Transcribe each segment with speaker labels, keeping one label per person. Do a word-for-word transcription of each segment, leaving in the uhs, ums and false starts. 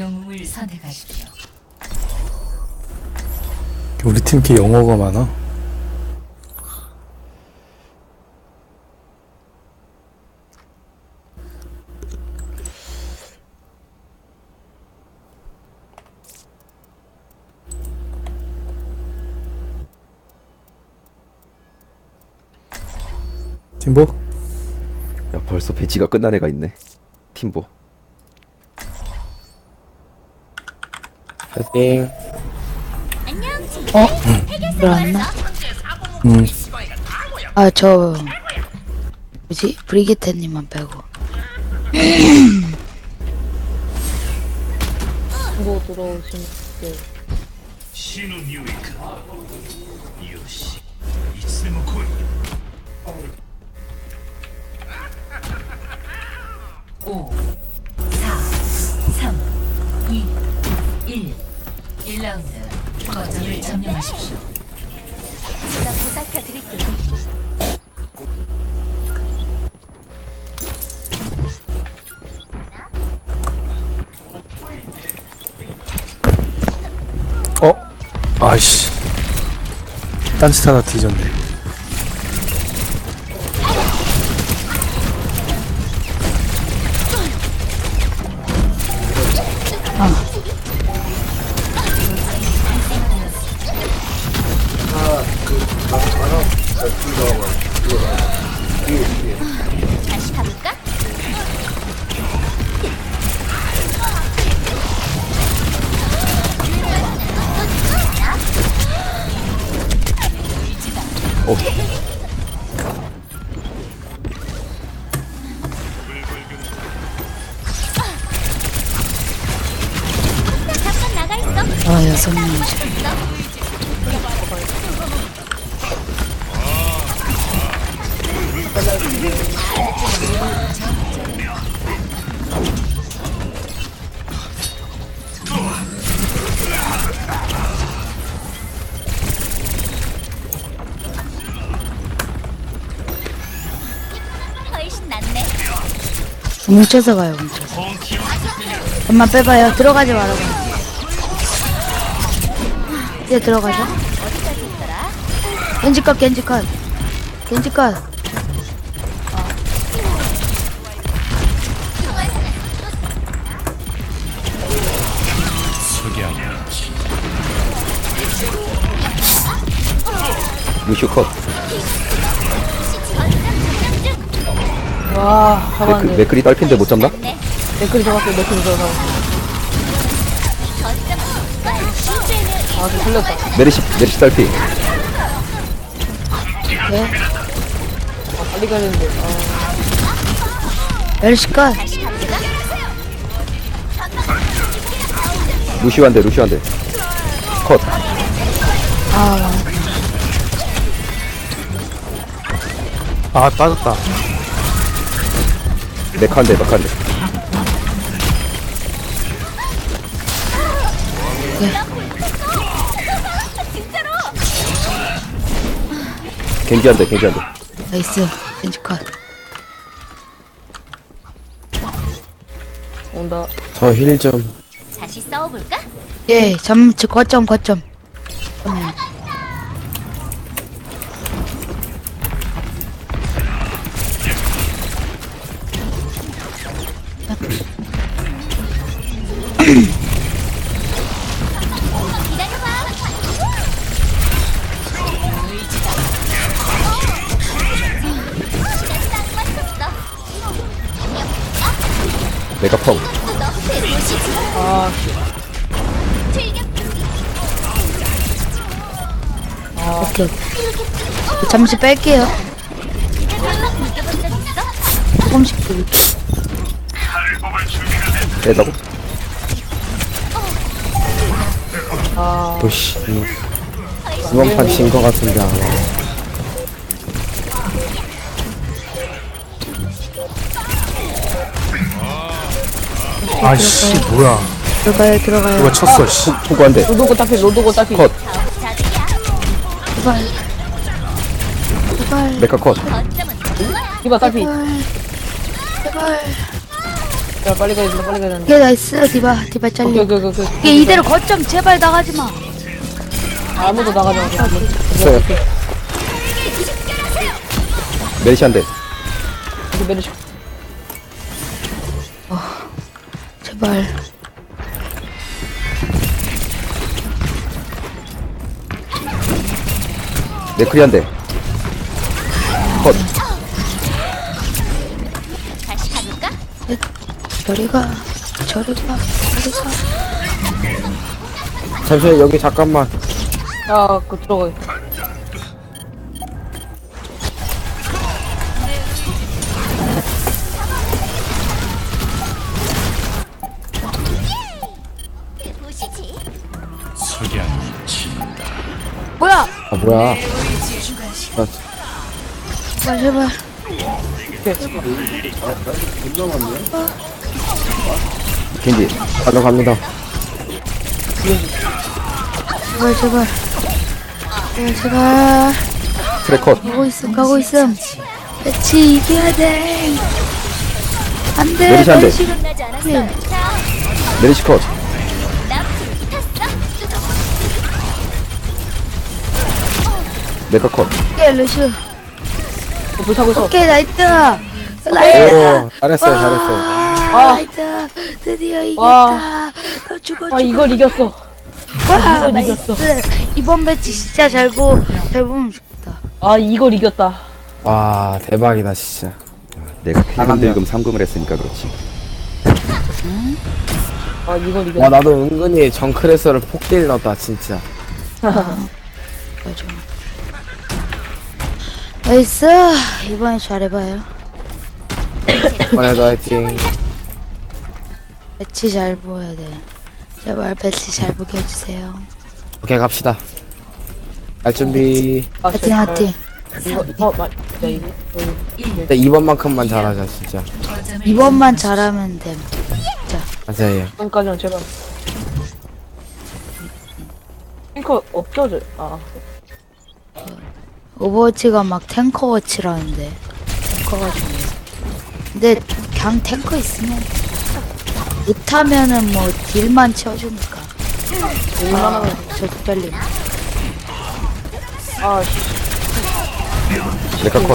Speaker 1: 영웅을 선택하십시오.
Speaker 2: 우리 팀 이렇게 영어가 많아? 팀보?
Speaker 3: 야 벌써 배치가 끝난 애가 있네. 팀보.
Speaker 4: 파이팅.
Speaker 5: 어? 들어왔나?
Speaker 2: 음.
Speaker 5: 아, 저 뭐지? 브리기테님만 빼고.
Speaker 6: 뭐 들어오신 분.
Speaker 7: 死の匂いか。よし、いつでも来い。
Speaker 1: 오, 사, 삼, 이, 일. 일 라운드 거점을 점령하십시오.
Speaker 8: 제가 보살펴 드릴게요.
Speaker 2: 어? 아이씨. 딴짓 하나 뒤졌네.
Speaker 8: 다시 가볼까?
Speaker 3: 어.
Speaker 8: 잠깐 나가 있어.
Speaker 5: 아, 여섯 명이지.
Speaker 8: 훨씬 낫네.
Speaker 5: 뭉쳐서 가요, 뭉쳐서. 엄마 빼봐요. 들어가지 말아봐. 이제 들어가죠.
Speaker 8: 어디까지 있더라?
Speaker 5: 겐지컷, 겐지컷. 겐지컷.
Speaker 3: 루시오 컷.
Speaker 6: 와,
Speaker 3: 맥크,
Speaker 6: 잡았네.
Speaker 3: 맥크리 딸핀데 못 잡나?
Speaker 6: 맥클이 잡았어요, 맥클이 잡았어. 아, 좀 걸렸다.
Speaker 3: 메르시 메르시 딸피.
Speaker 5: 네.
Speaker 6: 아, 빨리 가야 되는데. 아,
Speaker 5: 멸시컷.
Speaker 3: 루시오 한대 루시오 한대. 컷.
Speaker 5: 아,
Speaker 2: 아, 빠졌다.
Speaker 3: 메카 한대 메카 한대. 겐지 한대 겐지 한대.
Speaker 5: 나이스. 겐지컷.
Speaker 6: 온다.
Speaker 4: 저 힐 좀.
Speaker 8: 다시 싸워볼까?
Speaker 5: 예, 점, 저, 거점, 거점. 음.
Speaker 3: 메가 펑.
Speaker 6: 아,
Speaker 5: 오케이. 잠시 뺄게요. 조금씩 들
Speaker 3: 빼다고?
Speaker 4: 오씨. 이번 판 진 거 같은데 아마.
Speaker 2: 아이씨, 뭐야.
Speaker 5: 들어가요, 들어가요.
Speaker 2: 누가 쳤어, 씨.
Speaker 3: 호구 한대.
Speaker 6: 로도고 따피, 로도고 따피.
Speaker 3: 컷.
Speaker 5: 제발. 제발.
Speaker 3: 메카 컷.
Speaker 8: 거점은
Speaker 6: 이봐, 따피.
Speaker 5: 제발. 제발.
Speaker 6: 야 빨리 가야 된다 빨리 가야 된다
Speaker 5: 오케이 나이스 디바 디바
Speaker 6: 오케이
Speaker 5: 잘리
Speaker 6: 오케이 오케이 오케이
Speaker 5: 오케이 이대로 거점 제발 나가지마
Speaker 6: 아무도 나가지 마
Speaker 4: 있어요.
Speaker 3: 메리시 한 대.
Speaker 6: 이렇게 메르시
Speaker 5: 제발
Speaker 3: 맥크리 한 대. 컷.
Speaker 8: 다시 가볼까?
Speaker 5: 저리가 저리가 저리가
Speaker 4: 잠시만 여기 잠깐만.
Speaker 6: 야그 들어가
Speaker 8: 보시지.
Speaker 7: 석양이 진다.
Speaker 5: 뭐야
Speaker 4: 아 뭐야?
Speaker 5: 제발 제발
Speaker 3: 겐지.
Speaker 4: 가러 갑니다.
Speaker 5: 제발 제발 제발 제발
Speaker 3: 트랙 컷.
Speaker 5: 가고 있음 가고 있음 배치 이겨야 돼 안돼
Speaker 3: 메리시 한 대.
Speaker 8: 끝나지 않았어. 자,
Speaker 3: 메리시 컷.
Speaker 8: 나 불탔어.
Speaker 3: 메카 컷.
Speaker 5: 오케이 루슈
Speaker 6: 불 타고 있어
Speaker 5: 오케이 나이트 나이트
Speaker 4: 오 잘했어요 잘했어요.
Speaker 6: 아,
Speaker 5: 나이트 드디어
Speaker 6: 와.
Speaker 5: 이겼다 너 죽어 죽어
Speaker 6: 아 이걸 이겼어
Speaker 5: 와
Speaker 6: 이걸 이겼어.
Speaker 5: 나이스 이번 배치 진짜 잘보잘 보면 좋겠다
Speaker 6: 아 이걸 이겼다
Speaker 4: 와 대박이다 진짜.
Speaker 3: 내가 필금 들금 삼 금을 했으니까 그렇지.
Speaker 6: 아 이걸
Speaker 4: 와
Speaker 6: 이겼다
Speaker 4: 나도 은근히 정크레서를 폭딜 넣었다 진짜.
Speaker 5: 맞아 나이스 이번에 잘해봐요
Speaker 4: 이번에도 화이팅.
Speaker 5: 배치 잘 보여야 돼 제발 배치 잘 보게 해주세요
Speaker 4: 오케이 갑시다. 갈 준비.
Speaker 6: 아,
Speaker 5: 하팅
Speaker 6: 제발.
Speaker 5: 하팅
Speaker 6: 이거 어 맞. 야 이거 이거.
Speaker 4: 근데 이번만큼만 잘하자 진짜.
Speaker 5: 이번만 잘하면 됨
Speaker 4: 맞아요.
Speaker 6: 이번까지는 제발 탱커 없죠 저? 아
Speaker 5: 오버워치가 막 탱커워치라는데 탱커가 중요해 근데 그냥 탱커 있으면 못하면은 뭐 딜만 채워주니까
Speaker 6: 얼마나
Speaker 5: 저 떨림
Speaker 6: 아씨
Speaker 3: 메카 컷.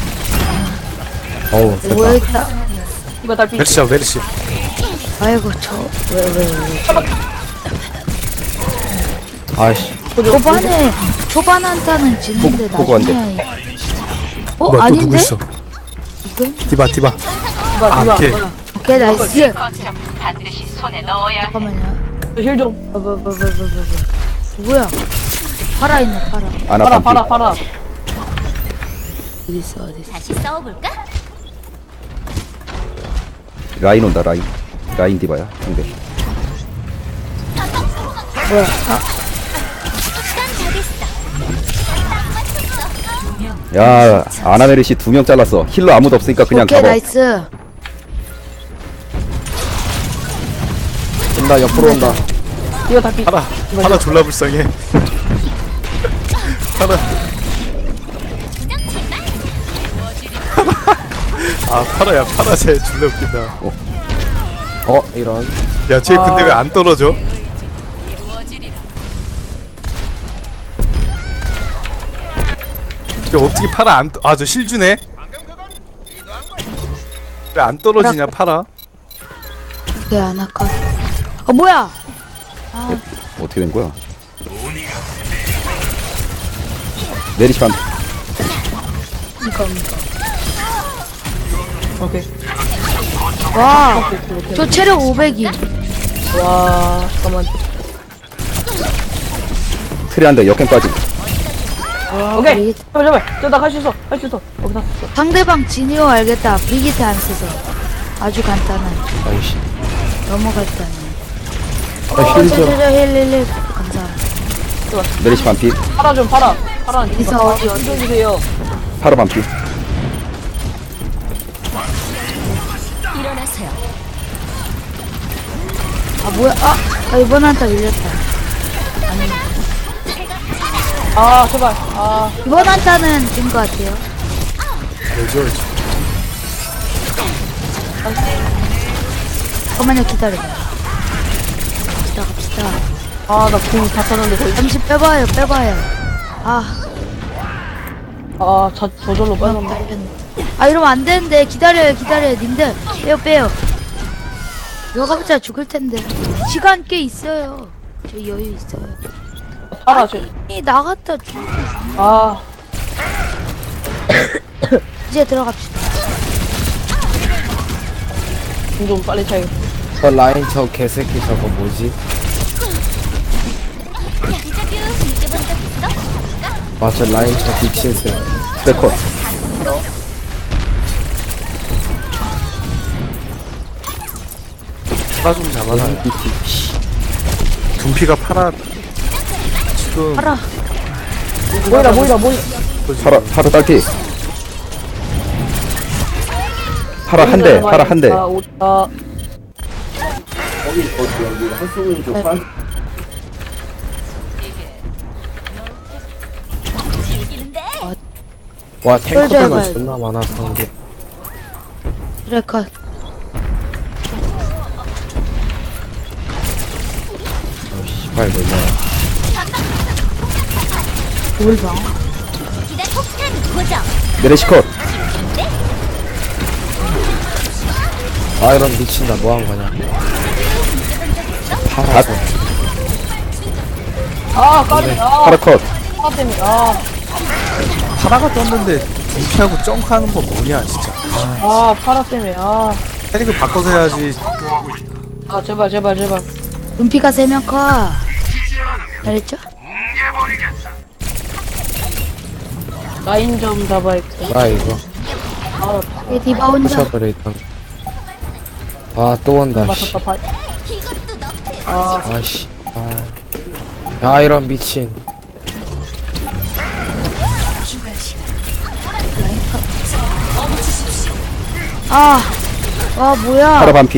Speaker 4: 어우 됐다.
Speaker 5: 뭐였다
Speaker 6: 이거 달피
Speaker 2: 메르시 잡아 메르시.
Speaker 5: 아이고 저 왜 왜 왜
Speaker 4: 아이씨.
Speaker 5: 초반에 초반 한타는 지는데
Speaker 3: 포- 포고 안 돼.
Speaker 5: 나중에 어?
Speaker 2: 뭐야 또 누구
Speaker 5: 아닌데?
Speaker 2: 있어?
Speaker 5: 이건?
Speaker 2: 디바 디바.
Speaker 6: 이거
Speaker 2: 아
Speaker 6: 이거
Speaker 2: 오케이.
Speaker 5: 오케이 나이스
Speaker 1: 반드시 손에 넣어야
Speaker 5: 잠깐만요
Speaker 6: 힐좀
Speaker 5: 어, 뭐, 뭐, 뭐, 뭐, 뭐, 뭐. 누구야? 팔아있네 팔아
Speaker 3: 아나
Speaker 6: 팔아
Speaker 3: 반피.
Speaker 6: 팔아 팔아
Speaker 5: 어디 있어 어디 있어
Speaker 8: 다시 싸워볼까?
Speaker 3: 라인 온다 라인. 라인 디바야. 상대.
Speaker 5: 뭐야 아
Speaker 3: 야 아나 메리시 두 명 잘랐어. 힐러 아무도 없으니까 그냥
Speaker 5: 오케이
Speaker 3: 가봐.
Speaker 5: 나이스
Speaker 4: 온다 옆으로 온다.
Speaker 6: 이거 달피
Speaker 2: 파라 파라 졸라 불쌍해. 파라. 아 파라야 파라 쟤 졸라 웃긴다.
Speaker 4: 어 이런.
Speaker 2: 야쟤 근데 왜 안 떨어져? 저 어떻게 파라 안? 아 저 실주네. 왜 안 떨어지냐 파라?
Speaker 5: 오케이 안 아까 어 뭐야
Speaker 3: 어떻게 된 거야? 메리시 반.
Speaker 5: 이거 이거
Speaker 6: 오케이
Speaker 5: 와저 체력 오백이
Speaker 6: 와 잠깐만
Speaker 3: 트레 한대 역행까지.
Speaker 6: 오케이 제발 제발 저나 할 수 있어 할 수 있어 오케이 다 썼어
Speaker 5: 상대방 진이오 알겠다 비기트 안 써서 아주 간단한
Speaker 4: 아이씨.
Speaker 5: 너무 간단해
Speaker 4: 아, 힐 좀.
Speaker 5: 힐힐힐 감사합니다
Speaker 3: 메리시 반피.
Speaker 6: 팔아 좀 팔아 팔아
Speaker 5: 이사 어디 어디
Speaker 6: 주세요
Speaker 3: 파라 반피.
Speaker 8: 일어나세요.
Speaker 5: 아 뭐야 아, 아 이번 한타 밀렸다
Speaker 6: 아 제발 아
Speaker 5: 이번 한타는 진 것 같아요
Speaker 2: 알죠.
Speaker 5: 잠깐만요, 기다려봐. 갑시다, 갑시다.
Speaker 6: 아, 나 궁 다 썼는데 거의.
Speaker 5: 잠시 빼봐요, 빼봐요. 아,
Speaker 6: 아, 저, 저절로
Speaker 5: 나
Speaker 6: 빠졌네.
Speaker 5: 빨렸네. 아, 이러면 안 되는데. 기다려요, 기다려요, 님들. 빼요, 빼요. 이거 가보자 죽을 텐데. 시간 꽤 있어요. 저 여유 있어요.
Speaker 6: 팔아, 저.
Speaker 5: 이 나갔다 죽.
Speaker 6: 아,
Speaker 5: 이제 들어갑시다.
Speaker 6: 궁 좀 빨리 차야겠다.
Speaker 4: 저 라인 저 개새끼 저거 뭐지?
Speaker 8: 인터뷰 느껴본 적 있어?
Speaker 4: 아 저 라인 저 미친새.
Speaker 3: 백컷.
Speaker 2: 파라 좀 잡아놔요. 둠피가 파라 지금
Speaker 5: 알아.
Speaker 6: 모이라, 모이라, 모이라.
Speaker 3: 파라 파라 딸피. 파라 한 대. 파라 한 대.
Speaker 6: 아, 오, 아,
Speaker 8: 즐기는데
Speaker 4: 와
Speaker 5: 쫄져야
Speaker 4: 탱커가
Speaker 5: 봐요.
Speaker 4: 존나 많아서 이게.
Speaker 5: 그래, 컷.
Speaker 4: 씨발 뭐냐.
Speaker 5: 뭘 봐.
Speaker 8: 기대 폭탄 고정.
Speaker 3: 메르시 컷.
Speaker 4: 아 이런 미친 나 뭐 한 거냐.
Speaker 3: 다
Speaker 6: 아, 까비. 아,
Speaker 3: 파라 컷.
Speaker 6: 파 때문에. 아,
Speaker 2: 파라가 떴는데 둠피하고 점프하는 거 뭐냐 진짜.
Speaker 6: 아, 파라 때문에. 아,
Speaker 2: 캐릭을 바꿔서 해야지.
Speaker 6: 아, 제발, 제발, 제발.
Speaker 5: 눈피가 세 명 커. 알겠죠?
Speaker 6: 라인 좀 잡아야겠다.
Speaker 4: 아 이거
Speaker 5: 얘 디바 혼자.
Speaker 4: 부셔버려 일단. 아또 온다 씨.
Speaker 6: 맞췄다, 파.
Speaker 8: 이것도 너프에
Speaker 6: 아,
Speaker 4: 아씨. 아. 야 이런 미친.
Speaker 5: 아, 와 뭐야?
Speaker 3: 파라 반피.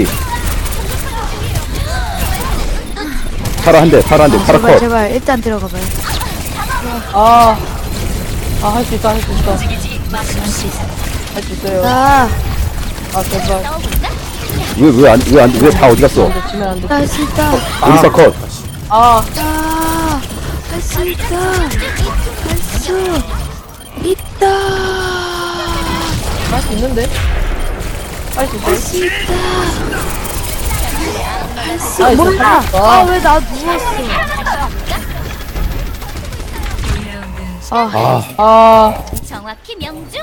Speaker 3: 파라 한 대. 파라 한 대. 파라
Speaker 5: 제발
Speaker 3: 컷.
Speaker 5: 제발 일단 들어가봐요.
Speaker 6: 아, 아, 할 수 있다, 할 수 있다.
Speaker 5: 할 수 있어.
Speaker 6: 할 수 있어요.
Speaker 5: 아,
Speaker 6: 아, 제발.
Speaker 8: 넣어볼까?
Speaker 3: 왜 왜 안 왜 안 왜 다 어디 갔어?
Speaker 6: 안 돼, 지면 안 돼.
Speaker 5: 할 수 있다.
Speaker 3: 우리사 컷.
Speaker 6: 아,
Speaker 5: 아, 할 수 있다. 할 수 있다.
Speaker 6: 할 수 있는데? 할 수 있어.
Speaker 5: 할 수 있다.
Speaker 6: 아,
Speaker 5: 아, 몰라.
Speaker 6: 있어.
Speaker 5: 아, 왜 나 누웠어? 아,
Speaker 4: 아
Speaker 6: 아,
Speaker 8: 정확히 명중.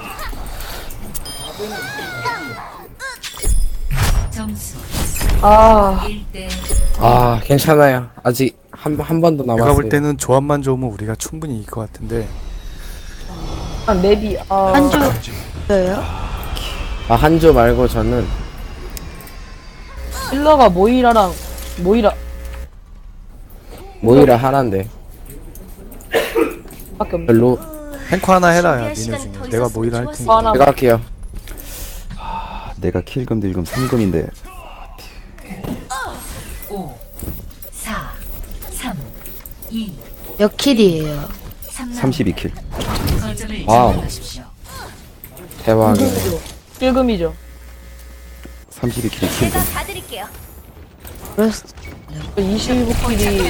Speaker 6: 아,
Speaker 4: 아 괜찮아요. 아직 한 한 번도
Speaker 2: 내가
Speaker 4: 남았어요.
Speaker 2: 볼 때는 조합만 좋으면 우리가 충분히 이길 것 같은데.
Speaker 6: 아, 맵이, 아.
Speaker 5: 한 주예요?
Speaker 4: 아 한조 말고 저는
Speaker 6: 힐러가 모이라랑, 모이라,
Speaker 4: 모이라 하나인데
Speaker 6: 밖에 없네.
Speaker 4: 별로.
Speaker 2: 탱커 하나 해라 야 니네 중에. 내가 모이라 할 테니.
Speaker 6: 뭐 하나.
Speaker 4: 제가 할게요.
Speaker 3: 내가 킬금 딜금 삼 금인데.
Speaker 5: 몇 킬이에요?
Speaker 3: 삼십이 킬.
Speaker 4: 와우. 대박이네.
Speaker 6: 필금이죠.
Speaker 3: 삼십이 킬
Speaker 8: 제가
Speaker 3: 킬금.
Speaker 8: 봐드릴게요.
Speaker 5: 그랬어.
Speaker 6: 이십오 킬이,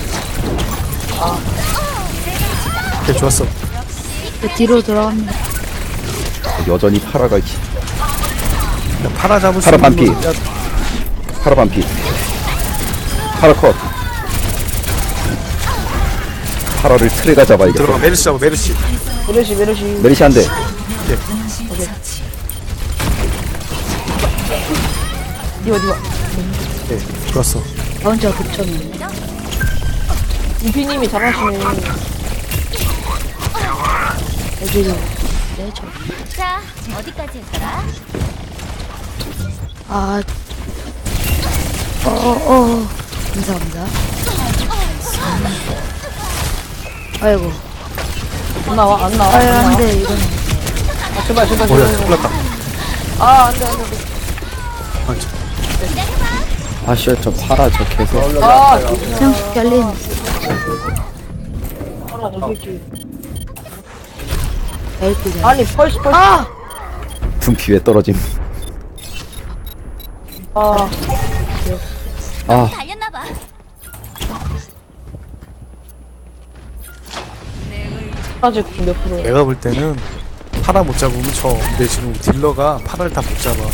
Speaker 2: 오케이 좋았어.
Speaker 5: 그 뒤로 돌아갑니다.
Speaker 3: 여전히 파라가 있지.
Speaker 2: 야, 파라 잡을 수
Speaker 3: 파라
Speaker 2: 있는
Speaker 3: 반피.
Speaker 2: 거- 야,
Speaker 3: 파라 반피. 파라 컷. 파라를 트레가 잡아야겠다.
Speaker 2: 들어가 메르시 잡아 메르시.
Speaker 6: 메르시, 메르시.
Speaker 3: 메리시 한 대.
Speaker 6: 디바, 디바.
Speaker 2: 오케이 좋았어.
Speaker 5: 나 혼자 급쳤는데.
Speaker 6: 이피님이 잘하시네.
Speaker 5: 여기로. 네, 저.
Speaker 8: 자, 어디까지 했더라?
Speaker 5: 아, 어, 어, 감사합니다. 아이고,
Speaker 6: 안 나와, 안 나와.
Speaker 5: 아유,
Speaker 6: 안 나와.
Speaker 5: 안 돼, 이건.
Speaker 6: 아, 제발, 제발,
Speaker 2: 뭐야
Speaker 6: 제발.
Speaker 2: 큰일 났다.
Speaker 6: 아, 안 돼, 안 돼. 안 돼.
Speaker 2: 아, 저-
Speaker 4: 아쉬워 저 파라 저 개새.
Speaker 6: 아,
Speaker 5: 그냥 결린.
Speaker 6: 파라, 저 새끼.
Speaker 5: 헬프가.
Speaker 6: 아니, 펄스, 펄스.
Speaker 5: 아!
Speaker 3: 둠피 왜 떨어짐.
Speaker 6: 아,
Speaker 3: 아
Speaker 8: 달렸나봐.
Speaker 6: 아직 몇 프로?
Speaker 2: 내가 볼 때는 파라 못 잡으면 쳐. 근데 지금 딜러가 파라를 다 못 잡아.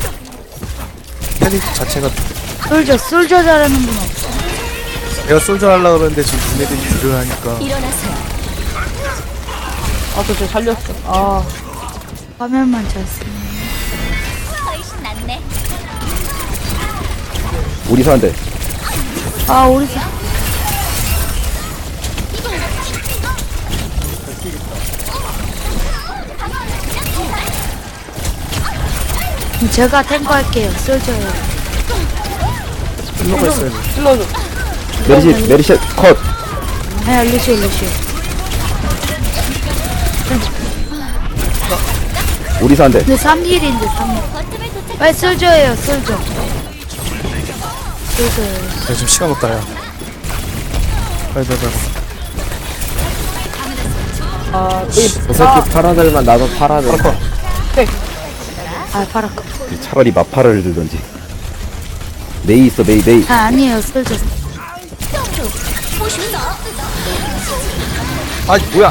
Speaker 2: 캐릭 자체가
Speaker 5: 솔저 솔저 잘하는 분 없어.
Speaker 2: 내가 솔저 하려고 그러는데 지금 니네들이 딜을 하니까
Speaker 8: 일어나세요.
Speaker 6: 아, 저 쟤 살렸어. 아,
Speaker 5: 화면만 잘 쓰네.
Speaker 8: 훨씬 낫네.
Speaker 3: 우리 사한테
Speaker 5: 아 우리 사- 그럼 제가 탱커 할게요. 솔저요.
Speaker 2: 딜러가 있어야 돼.
Speaker 6: 찔러줘.
Speaker 3: 메리시 메리시 컷.
Speaker 5: 네, 루시오 루시오.
Speaker 3: 우리 사한테
Speaker 5: 근데 삼 힐인데 삼 힐.
Speaker 8: 버튼을 도착.
Speaker 5: 빨리 솔저예요. 솔저. 솔저예요.
Speaker 2: 야 지금 시간 없다 야. 빨리 빨리 빨리.
Speaker 6: 아, 이,
Speaker 4: 저 새끼 파라들만 나도 파라들.
Speaker 2: 파라 컷.
Speaker 5: 아 파라커.
Speaker 3: 차라리 마파를 들던지. 메이 있어 메이 메이.
Speaker 5: 아 아니에요. 솔저.
Speaker 8: 보시면서
Speaker 2: 아 뭐야?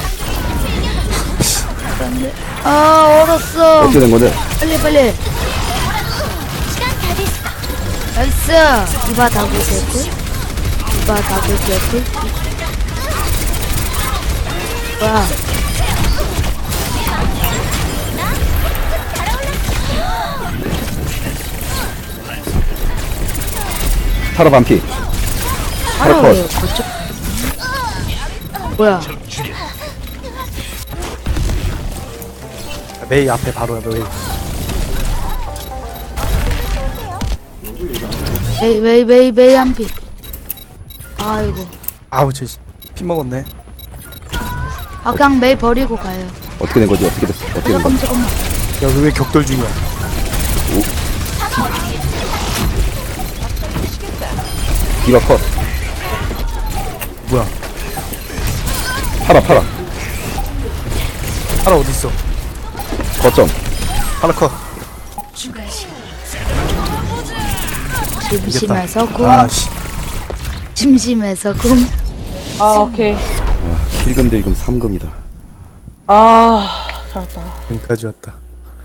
Speaker 5: 아 얼었어.
Speaker 3: 어떻게 된 건데?
Speaker 5: 빨리 빨리.
Speaker 8: 시간 다 됐어.
Speaker 5: 나이스. 이바 다블 개꿀. 이바 다블 개꿀. 뭐야?
Speaker 3: 파라 반피.
Speaker 5: 바로
Speaker 3: 컷.
Speaker 5: 왜요? 거쳐. 뭐야?
Speaker 2: 메이 앞에 바로야 메이.
Speaker 5: 메이 메이 메이 메이 한 피. 아이고.
Speaker 2: 아우 쟤 피 먹었네.
Speaker 5: 아 그냥 메이 버리고 가요.
Speaker 3: 어떻게 된 거지? 어떻게 됐어? 어떻게 된 거야?
Speaker 5: 잠깐만 잠깐만.
Speaker 2: 야 왜 격돌 중이야?
Speaker 3: 디바 컷.
Speaker 2: 뭐야?
Speaker 3: 파라 파라.
Speaker 2: 파라 어디 있어?
Speaker 3: 거점.
Speaker 2: 파라 컷.
Speaker 5: 심심해서 kum.
Speaker 2: 아씨.
Speaker 5: 심심해서 kum.
Speaker 6: 아, 오케이.
Speaker 3: 킬금 딜금 삼 금이다.
Speaker 6: 아, 살았다.
Speaker 2: 여기까지 왔다.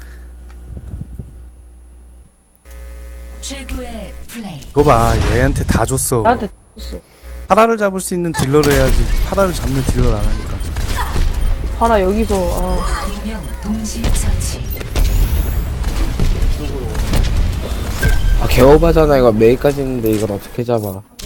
Speaker 1: 최고의 플레이.
Speaker 2: 이거 봐 얘한테 다 줬어.
Speaker 6: 나한테 줬어.
Speaker 2: 파라를 잡을 수 있는 딜러를 해야지. 파라를 잡는 딜러를 안 하니까.
Speaker 6: 파라 여기서, 아.
Speaker 1: 두명 동시 처치.
Speaker 4: 아 개오바잖아 이거 메이까지 있는데 이걸 어떻게 잡아?